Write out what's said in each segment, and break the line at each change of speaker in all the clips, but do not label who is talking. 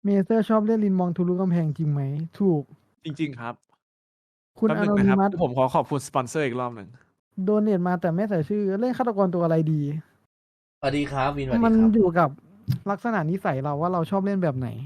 เมเซอร์ชอบเล่นลินมองทะลุกำแพงจริงไหมถูก
จริงๆครับ
คุณ
แป๊บ
อานอ
หนึ่งนะครับ
นิมัส
ผมขอบคุณสปอนเซอร์อีกรอบหนึ่ง
โดเนทมาแต่ไม่ใส่ชื่อเล่นฆาตกรตัวอะไรดี
สวัสดีครับวินสวัสดี
มัน
ครับ
อยู่กับลักษณะนิสัยเราว่าเราชอบเล่นแบบไหน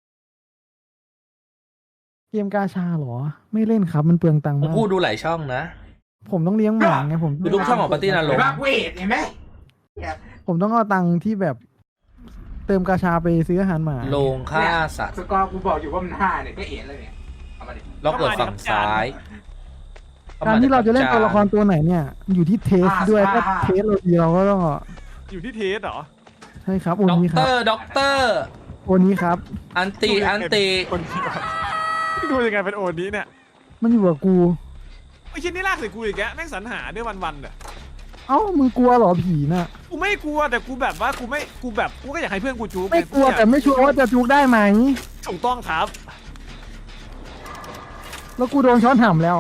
เกมกาชาเหรอ ไม่เล่นครับ มันเปลืองตังค์
ผม
มาก
พูดดูหลายช่องนะ
ผมต้องเลี้ยงหมาไงผม
ดูทุกช่องของปาร์ตี้นรก
รักเวทเห็นไหม
ผมต้องเอาตังค์ที่แบบ เติมกาชาไปซื้ออาหารหมา
โลงฆ่าสัตว์
สกอร์กูบอกอยู่ว่ามัน5เนี่ยก็เอ็นเลยเนี่ยเอามาดิ
ล็อกเกิดฝั่งซ้าย
การที่เราจะเล่นตัวละครตัวไหนเนี่ย อยู่ที่เทสด้วยถ้าเทสเราดีเราก็ต้อง
อยู่ที่เทสเหรอ
ใช่ครับโอ
ด็อก
นี้ค
เต
รั
อบ ร์ด็อกเตอร์
โอนี้ครับ
อันตีอันตี
คนที่ดูยังไงเป็นโอนี้เนี่ย
มันอยู่กับกู
ไอ้ชิ้นนี้ลากใส่กูอีกแกแม่งสรรหาด้วยวันๆเนี่ย
เอ้ามึงกลัวเหรอผีน่ะ
กูไม่กลัวแต่กูแบบว่ากูก็อยากให้เพื่อนกูจู๊
ไม่กลัวแต่ไม่ชัวร์ว่าจะจุกได้ไหม
ถูกต้องครับ
แล้วกูโดนช้อนห่ำแล้ว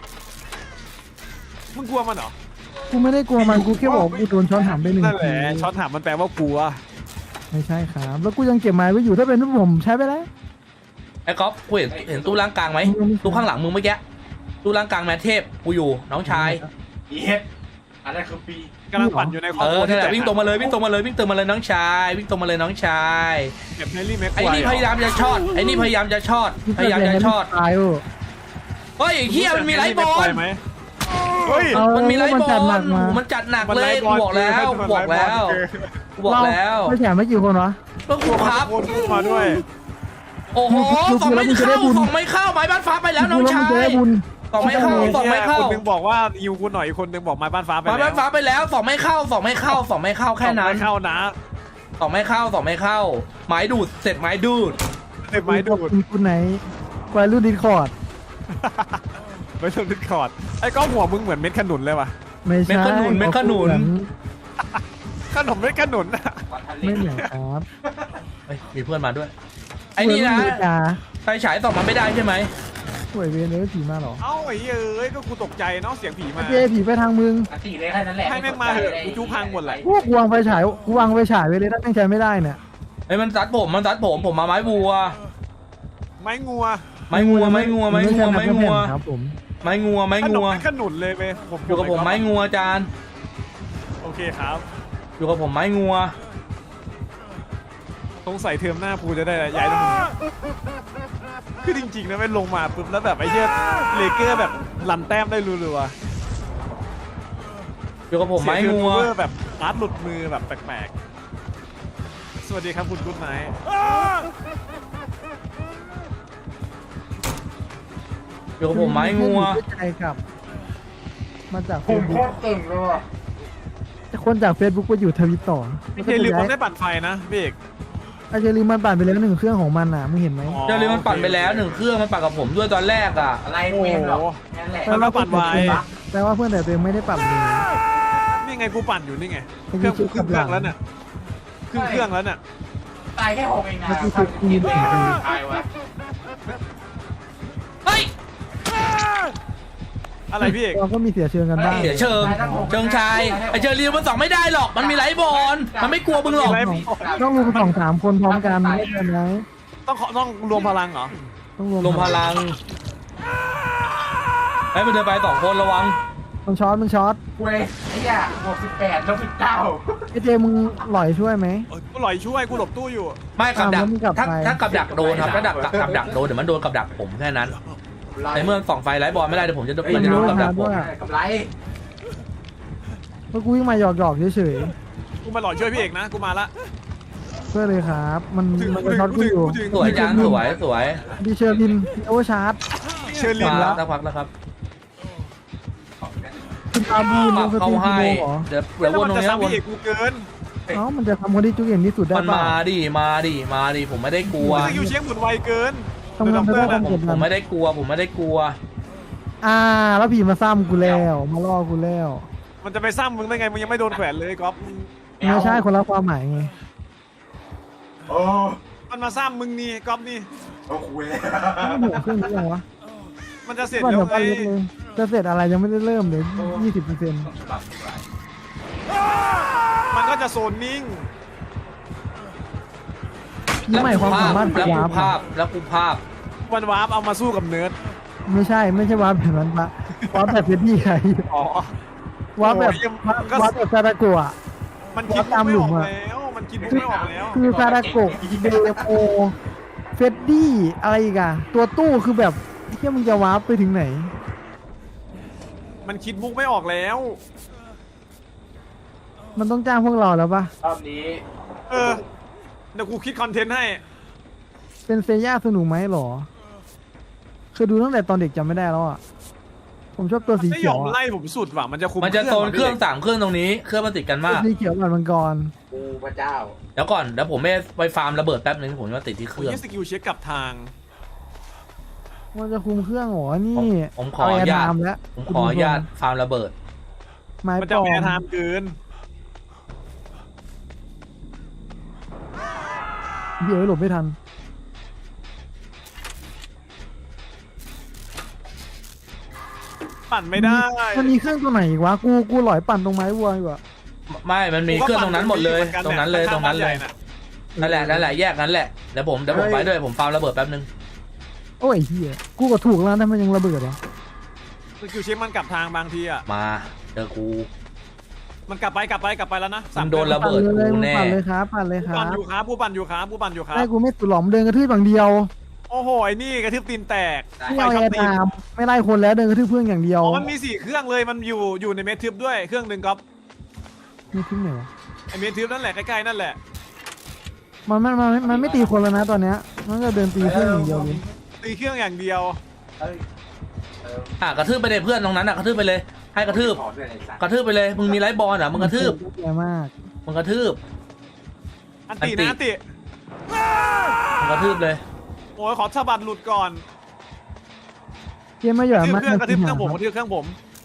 มึงกลัวมันเหรอ
กูไม่ได้กลัวมันกูแค่บอกกูโดนช้อนห่ำไปหนึ่ง
นั่นแห
ที
ละช็อตถามมันแปลว่ากลัว
ไม่ใช่ครับแล้วกูยังเก็บไม้ไว้อยู่ถ้าเป็นผมใช้ไปแล้ว
ไอ้ก๊อฟกูเห็นตู้ล่างกลางไหมตู้ข้างหลังมึงเมื่อกี้ตู้ล่างกลางแมทเทพกูอยู่น้องชาย
เอ็ดอันนั้นคือปี
กำลังปั่นอยู่ในครอบ
เอ
ครั
อ
ว
นั่นแหละ
ที่
วิ่งตรงมาเลยวิ่งตรงมาเลยวิ่งตรงมาเลยน้องชายวิ่งตรงมาเลยน้องชาย
เก็บเฮลี่แม็ก
ไอ้นี่พยายามจะช็อตไอ้นี่พยายามจะช็อตพยายามจะช็อต
ตายเออ
เฮ้ยไอ้เฮียมันมีไลท์บอล
ไหมเฮ้ย
เอา
มันมีไลท์บอ
จัดหนั
ล
กมา
มันจัดหนัก
มัน
เล
ไล
ย
ท์
กูบอกแล้วกูบอกแล้วกูบอกแล้ว
ไม่แฉไม่กี่คนวะ
ก็กูครับ
โคตรมาด้วย
โอ้โหสองไม่เข้าสองไม่เข้าไม้บ้านฟ้าไปแล้วน้องชา
กู
ย
แล้วมึงจะได้บุญ
สองไม่เข้าสองไม่เข้า
คนหนึงบอกว่ายิวกูหน่อยอีกคนหนึงบอกไม้บ้านฟ้าไป
ไม้บ้านฟ้าไปแล้วสองไม่เข้าสองไม่เข้าสองไม่เข้าแค่นั้น
ไม่เข้านะ
สองไม่เข้าสองไม่เข้าไม้ดูดเสร็จไม้ดูด
เต็มไม้ดูด
คุณไหนควายรุ่นดิสคอร์ด
ไม่ต้องดิสคอร์ดไอ้ก้องหัวมึงเหมือนเม็ดขนุนเลยว่ะ
ไม่ใช่
เม็ดขนุนเม็ดขนุน
ขนมเม็ดขนุนอะ
วันทัน
ไม่
เล่น
เหมือนครับ
เฮ้ยมีเพื่อนมาด้วยไอ้นี่นะ
จ้า
ไฟฉายส่องมันไม่ได้ใช่ไหม
สวยเวียนเลยผีมาหรอ
เอ้าไอ้เอ้ยก็กูตกใจเนาะเสียงผีมา
เจผีไปทางมึง
อันตีเลยแค่นั้นแหละ
ให้แม่งมาเถอะกูจู้พังหมดเลย
พวกวางไฟฉายกูวางไฟฉายไว้เลยถ้าตั้งใจไม่ได้เนี่ย
ไอ้มันซัดผมผมมาไม้บัว
ไม้งัว
ไม้งัวไม้งัวไม้งัวไม้งัว
ครับผม
ไม้งัวไม้
ขนม
งัว
เม็ดขนุนเลยเว้ย
อยู่กับผมไม้งัวจาน
โอเคครับ
อยู่กับผมไม้งัว
สงสัยเทอมหน้าปูจะได้ย้ายตรงนี้คือจริงๆนะไม่ลงมาปุ๊บแล้วแบบไอ้เหี้ยเลเกอร์แบบลันแต้มได้รัว
อยู่กับ
ๆ
ผมไม้งัว
เสียเทอร์โนเวอร์แบบอาร์ตหลุดมือแบบแปลกๆสวัสดีครับคุณกุ๊ดไนท์
อยู่กับผมไม้งัว
ใจกับมาจาก
ผมโคตรเก่งเลยว่ะ
คนจากเฟซบุ๊กไปอยู่ทวิตต่อ
พี่เจลืมมันได้ปั่นไฟนะพี่เอก
ไอเจลีมันปั่นไปแล้ว1เครื่องของมันน่ะมึงเห็นไหม
เจอเลยมันปั่นไปแล้ว1เครื่องมันปั่นกับผมด้วยตอนแรกอ่ะ
อะไรเมมหรอกนั่นแหละ
มันก็ปั่นไว
แปลว่าเพื่อนแต่ตัวเองไม่ได้ปั่นเลย
นี่ไงกูปั่นอยู่นี่ไง
ไอ้
เครื่องกู
ยี่
ครึ่งเครื่องแล้วเนี่ยครึ่งเครื่องแล้วเนี่ย
ตายแค่6เองนะ
เมื่อกี้คือปีน
ตายวะ
เฮ้ย
อะไรพี่เอก
เราก็มีเสียเชิงกันบ้าง
เสียเชิงชายไอเจอรีมันส่องไม่ได้หรอกมันมีไลท์บอลมันไม่กลัวมึงหรอก
ต้องรวม2-3คนพร้อมกันไม่ได้ไหม
ต้องรวมพลังเหรอ
ต้องรวม
ลมพลังไอ้มันเดินไป2คนระวัง
มึงช็อต
เว้ยไอ้เหี้ย68ลบ19
ไอเจมึงหล่อยช่วยไหม
กูหลอยช่วยกูหลบตู้อยู่
ไม่กับดัก
แล้วมึงกลับ
ถ้า
ไป
ถ้ากับดักโดนครับถ้ากับดักโดนเดี๋ยวมันโดนกับดักผมแค่นั้นในเมื่อส่องไฟไลท์บอลไม่ได้เดี๋ยวผมจะมันจะโดนกับดักผม
กำไร
เมื่อกูวิ่งมาหยอกเฉย
กูมาหลอยช่วยพี่เอกนะกูมาละ
ๆเพื่อเลยครับ มันจะช็อตกูอยู่
สวยจานสวยสวย
ดีเชอร์ลินโอเวอร์ชาร์จ
เชิญลิน
มา
แล้ว
สักพักแล้วครับ
คุณตาบูน
ปรับ
ส
เข้า
ตี
ให้
โเหรอ
เดี๋ยววนตรง
จะ
นี้
ซ้ำ
วน
พี่เอกกูเกิน
เอ้ามันจะทำคนที่จุกเด่นที่สุดได้
มัน
ป่ะ
มาดิผมไม่ได้กลัว
สกิลเชียงหมุนไวเกิน
ทำงานไม่ได้ความกด
ผ
ดั
ม
น
ไม่ได้กลัว
แล้วผีมาซ้ำกูแล้วมาล่อกูแล้ว
มันจะไปซ้ำมึงได้ไงมึงยังไม่โดนแขวนเลยก๊อฟ
ไม่ใช่คนละความหมายไง
โอ้
มันมาซ้ำมึงนี่ก๊อฟนี่
โอ้โห
ไม่หัวเครื่องนี้ยังวะ
มันจะเสร็จ
ก่อน
แล้ว
เดี๋ยว
ไง
ไปเล็กเลยจะเสร็จอะไรยังไม่ได้เริ่มเลย20%
มันก็จะโซนนิ่ง
นี่หมายความสามารถ
แล้วกู
วาร์ป
ภาพแล้วกูภาพ
วันวาร์ปเอามาสู้กับเนิร์ด
ไม่ใช่วาร์ปแบบนั้นปะวาร์ปแบบเฟดดี้ใคร
อ๋อ
วาร์ปแบบ
โอ้ยมันก็
วาร์ปแบบซาดาโกะ
มันคิดมุกไม่ออกแล้วมันคิดมุกไม่ออกแล้ว
คือซาดาโกะเดโมเฟดดี้อะไรอีกอะตัวตู้คือแบบเที่ยมึงจะวาร์ปไปถึงไหน
มันคิดมุกไม่ออกแล้ว
มันต้องจ้างพวกเราแล้วปะ
รอบนี้
เออเดี๋ยวกูคิดคอนเทนต์ให้
เป็นเซย่าสนุกไหมหรอคือดูตั้งแต่ตอนเด็กจำไม่ได้แล้วอะผมชอบตัวสี
ไม่
เขี
ย
ย
อ
ว
ม
อะ
ไล่ผมสุดว่ะมันจะคุม
มันจะโซนเครื่อง
ว่ะ
3 เครื่องตรงนี้เครื่องมันติดกัน
ตัว
มาก
สีเขียวแบบมังกร
กูพระเจ้า
เดี๋ยวก่อนเดี๋ยวผมไปฟาร์มระเบิดแป๊บนึงผมจะมาติดที่เค
พี่
รื่อง
ยี่สกิลเช็คกลับทาง
มันจะคุมเครื่องเหรอนี่
ผมขออนุญาต
เแร์ไทม์แล้ว
ผมขออนุญาตฟาร์มระเบิด
ไม้
มัน
ป
จะ
ลอ
แพ้
ม
ไทม์เกิน
เดี๋ยวหลบไม่ทัน
ปั่นไม่ได้
มันมีเครื่องตัวไหนอีกวะกูหลอยปั่นตรงไม้วัวอยู่อะ
ไม่มันมีเครื่องตรงนั้นหมดเลย ตรงนั้นเลยตรงนั้นเลย
ข้างบ้าใหญ่ะ
นั่นแหละแยกนั้นแหละเดี๋ยวผมไปด้วยผมฟาร์มระเบิดแป๊บนึง
โอ้ยเฮียกูก็ถูกแล้วนะมันยังระเบิดเหรอ
สกิลเช็คมันกลับทางบางทีอ่ะ
มาเจอกู
มันกลับไปแล้วนะ
มึงโดนระเบิด
ปั่นเลย
กูแน่
ปั่นเลยครับปั่นเลยค
ผู้
รั
ปั่น
บ
อยู่ครับผู้ปั่นอยู่ครับผู้ปั่นอยู่ครับ
ได้กูไม่ตุ่หลอมเดินกระทืบฝั่งเดียว
โอ้โหไอ้นี่กระทืบตีนแตก
ไม่เอา
ช็
แอ
อต
ร์
ตี
ไท
น
ม์ไม่ไล่คนแล้วเดินกระทืบเพื่อนอย่างเดียว
อ๋อมันมี4เครื่องเลยมันอยู่ในเมทึบด้วยเครื่องหนึ่งก๊อฟ
ไม่ทิ้งไหนวะ
ไอเมทึบนั่นแหละใกล้ๆนั่นแหละ
มันไม่ตีคนแล้วนะตอนเนี้ยมันก็เดินตีเพื่อนอย่างเดียวเลย
ตีเครื่องอย่างเดียว
เอ้ย
กระทืบไปเลยเพื่อนตรงนั้นกระทืบไปเลยให้กระทืบ
ขอด้วยไอ้สัตว์
กระทืบไปเลยมึงมีไลฟ์บอลมึงกระทืบ
แย่มาก
มึงกระทืบ
อันตินะอันติ
มึงกระทืบเลย
โอ้ยขอสะบัดหลุดก่อน
เกมไม่หย่
ก
อ
ระทืบ
มาก
เครื่องกระทืบเครื่องผม
ค
กระทืบเครื่องผม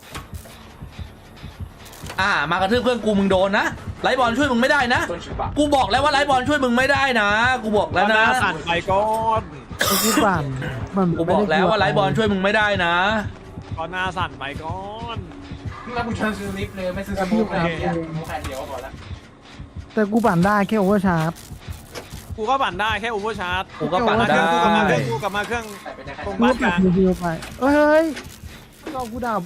มากระทืบเพื่อนกูมึงโดนนะไลฟ์บอลช่วยมึงไม่ได้นะ
ต้นฉบับ
กูบอกแล้วว่าไลฟ์บอลช่วยมึงไม่ได้นะ กูบอกแล้วนะ
สั่นไปก่อน
กูปั่นมัน
กูบอกแล้วว่าไลฟ์บอลช่วยมึงไม่ได้นะ
ก่อนหน้าสั่นไปก่อน
แล้วกูเชิญซื้อลิฟต์เลยไม่ซื้อสมูทเลยเนี่ยสมูทแค่เดียวก็พอละ
แต่กูปั่นได้แค่โอเวอร์ชาร์จ
กูก็ปั่นได้แค่โอเวอร์ชาร์จ
กูก็ปั่น
มาเค
ได้
รื่องกูกลับมาเครื่อง
ใส่ไปได้แค่
ตรง
กู
บ้าน
ปั่
ก
น
ลาง
เดียวไปเฮ้ยเรากูดับ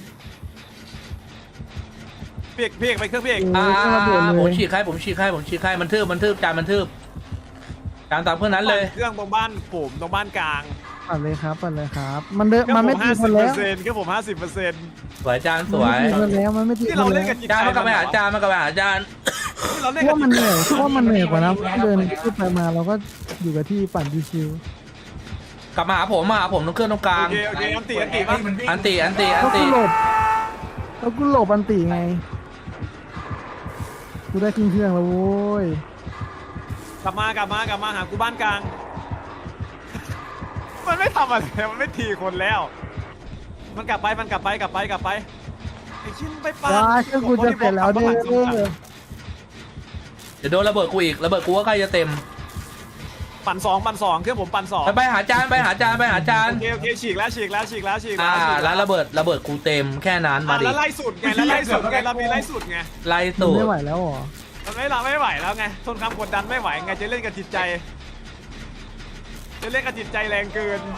เพียกไปเครื่องเพียก
ผมฉีกให้มันทืบจานตามเครื่องนั้นเลย
เครื่องตรงบ้านผมตรงบ้านกลาง
ปั่นเลยครับปั่นเลยครับ มันเดิน
เครื่
มันไม่ตีคนแล้ว
เครื่องผม50%
สวยจานสวย
มันไม่ตีคนแล้วมันไม่ตี
ที่
ค
เรา
น
เล่
แล้
น
ว
กันจิต
จาน
ใจ
มันกลับไปหาจาน
ที่เราเล่น
เพ
กั
ราะ
น
มันเหนื่อยเพราะมันเหนื่อยกว่านะเดินขึ้นไปมาเราก็อยู่กับที่ปั่นชิว
กลับมาหาผมตรงเครื่องตรงกลาง
โอเคอันติป่ะ
อันติ
ๆแล้วกูหลบอันตีไงกูได้ขึ้นเครื่องแล้วโว้ย
กลับมาหากูบ้านกลาง มันไม่ทำอะไรมันไม่ทีคนแล้ว มันกลับไปไอ้ชิ้นไปปั่น
ว้าเครื่องกูจะเสร็จแล้วเด้อ
เดี๋ยวโดนระเบิดกูอีกระเบิดกูก็ใกล้จะเต็ม
ปั่นสองเครื่องผมปั่น2
ไปหาจาน
โอเคฉีกแล้ว
แล้วระเบิดกูเต็มแค่นั้นมาดิ
แล้วไล่สุดไงเรามีไล่สุดไง
ไล่
มัน
สูต
ไม่
ร
ไหวแล้วเหรอ
มันไม่ไหวแล้วไงทนความกดดันไม่ไหวไงจะเล่นกับจิตใจแรงเกิน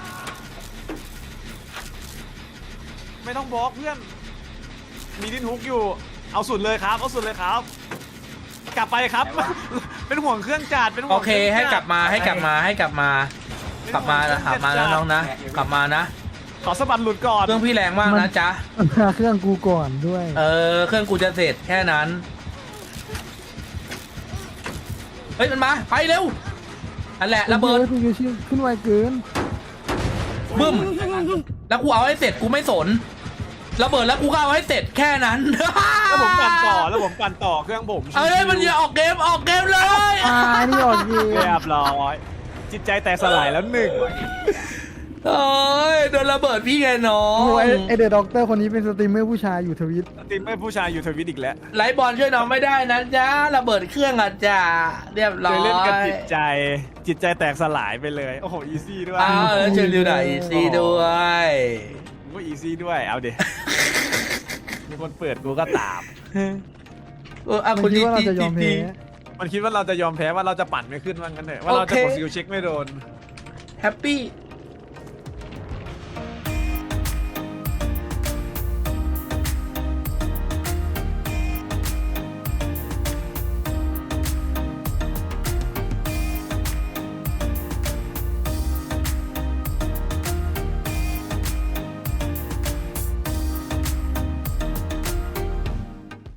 ไม่ต้องบล็อกเพื่อน มีดิ้นฮุกอยู่ เอาสุดเลยครับ กลับไปครับ เป็นห่วงเครื่องจัดเป็นห่ว
โอง เคให้กลับมานะน้องนะกลับมานะ
ขอสะบัดหลุดก่อน
เครื่องพี่แรงมากนะจ๊ะ
มาเครื่องกูก่อนด้วย
เครื่องกูจะเสร็จแค่นั้นเฮ้ยมันมาไปเร็วอันแหละระเบิด
กูขึ้นไวเกิน
บึ้มแล้วกูเอาให้เสร็จกูไม่สนระเบิดแล้วกูก็เอาให้เสร็จแค่นั้น
แล้วผมปั่นต่อเครื่องผม
เอ้ยมันอย่าออกเกมเลย
นี่ออกเกม
เรียบร้อยจิตใจแตกสลายแล้วหนึ่ง
โอ้ยโดนระเบิดพี่ไงน้อ
โอ้
ง
ยไอเดอะด็อกเตอร์คนนี้เป็นสตรีมเมอร์ผู้ชายอยู่ทวิต
ทีมไม่ผู้ชายอยู่ทวิตอีกแล้ว
ไลฟ์บอลช่วยน้องไม่ได้นะจ๊ะระเบิดเครื่องอ่ะจ้าเรียบร้
เล
อย ย
เล่นกันจิตใจแตกสลายไปเลยโอ้โหอีซี่ด้วย
อ้าวแล้วเชิญดูหน่อยซีด้วย
ผมก็อีซี่ด้วยเอาเดี๋ยวมีคนเปิดกูก็ตาม
คุณ
คิด
จี
ว่าเราจะยอม
จี
แพ้
มันคิดว่าเราจะยอมแพ้ว่าเราจะปั่นไม่ขึ้นว่างั้นเถอะว่าเราจะกดสกิลเช็คไม่โดน
แฮปปี้